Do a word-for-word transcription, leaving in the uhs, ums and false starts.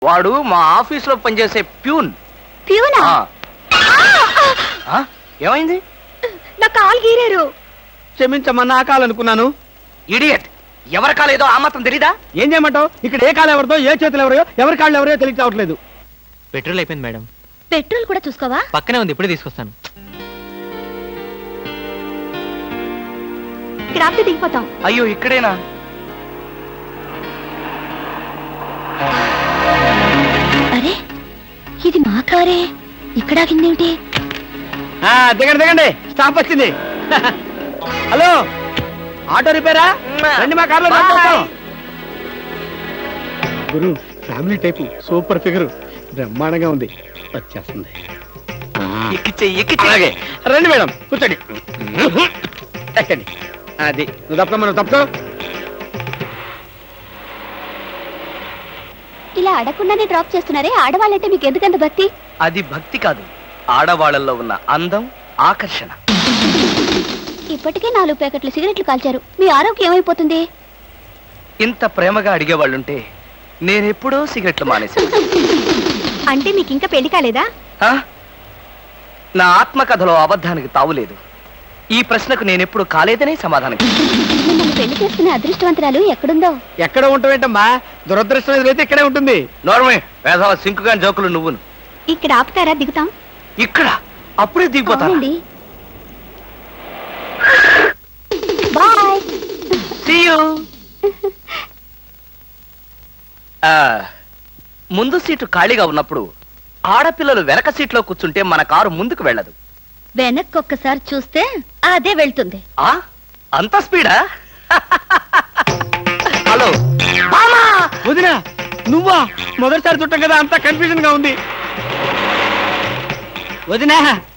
వాడు మా ఆఫీస్ లో పనిచేసే ప్యూన్. ప్యూనా? ఆ, ఏమైంది? నా కాలు గీరారు. క్షమించమ్మా, నా కాలనుకున్నాను. ఇడియట్, ఎవరి కాలేదో ఆ మాత్రం తెలీదా? ఏం చేయమంటావు? ఇక్కడ ఏ కాలు ఎవరిదో, ఏ చేతులు ఎవరో, ఎవరి కాళ్ళు ఎవరో తెలియ రావట్లేదు. పెట్రోల్ అయిపోయింది మేడం. పెట్రోల్ కూడా చూసుకోవా? పక్కనే ఉంది, ఇప్పుడే తీసుకొస్తాను. ఇక్కడ ఆపితే దిగిపోతాం. అయ్యో, ఇక్కడేనా? అరే, ఇది మా కారే. ఇక్కడ ఆగిందేమిటి? ఆ, దిగండి దిగండి, స్టాప్ వచ్చింది. హలో, ఆటో రిపేరా? రండి మా కార్లో డ్రాప్. గురు, ఫ్యామిలీ టైపు, సూపర్ ఫిగర్, బ్రహ్మాండంగా ఉంది. వచ్చేస్తుంది. ఎక్కిచ్చే ఎక్కిచ్చే. అలాగే రండి మేడం, కూర్చోండి. ఎక్కండి. అది నువ్వు తప్ప మనం తప్పుకో. ఇలా అడగకుండానే డ్రాప్ చేస్తున్నారే, ఆడవాళ్ళంటే మీకు ఎందుకంత భక్తి? అది భక్తి కాదు, ఆడవాళ్ళల్లో ఉన్న అందం, ఆకర్షణ. ఇప్పటికే నాలుగు ప్యాకెట్లు సిగరెట్లు కాల్చారు. మీ ఆరోగ్యం ఏమైపోతుంది? ఇంత ప్రేమగా అడిగేవాళ్ళుంటే నేనెప్పుడో సిగరెట్లు మానేశాను. అంటే మీకు ఇంకా పెళ్లి కాలేదా? ఆ? నా ఆత్మకథలో అబద్ధానికి తావులేదు. ఈ ప్రశ్నకు నేనెప్పుడు కాలేదనే సమాధానం. మిమ్మల్ని పెళ్లి చేసుకునే అదృష్టవంతరాలు ఎక్కడుందో. ఎక్కడ ఉంటావేంటమ్మా? దురదృష్టం ఎదురైతే ఇక్కడే ఉంటుంది. నోర్మే, వేసవ సింకుగా జోకులు నువ్వును. ఇక్కడ ఆపుతారా? దిగుతాం. ఇక్కడ అప్పుడే దిగిపోతాను. అవునండి. బాయ్. See you. ఆ, ముందు సీటు ఖాళీగా ఉన్నప్పుడు ఆడపిల్లలు వెనక సీట్లో కూర్చుంటే మన కారు ముందుకు వెళ్ళదు. వెనక్కి ఒక్కసారి చూస్తే అదే వెళ్తుంది. ఆ, అంత స్పీడా? హలో వదినా, నువ్వా? మొదటిసారి చుట్టం కదా, అంతా కన్ఫ్యూజన్ గా ఉంది. వదినా,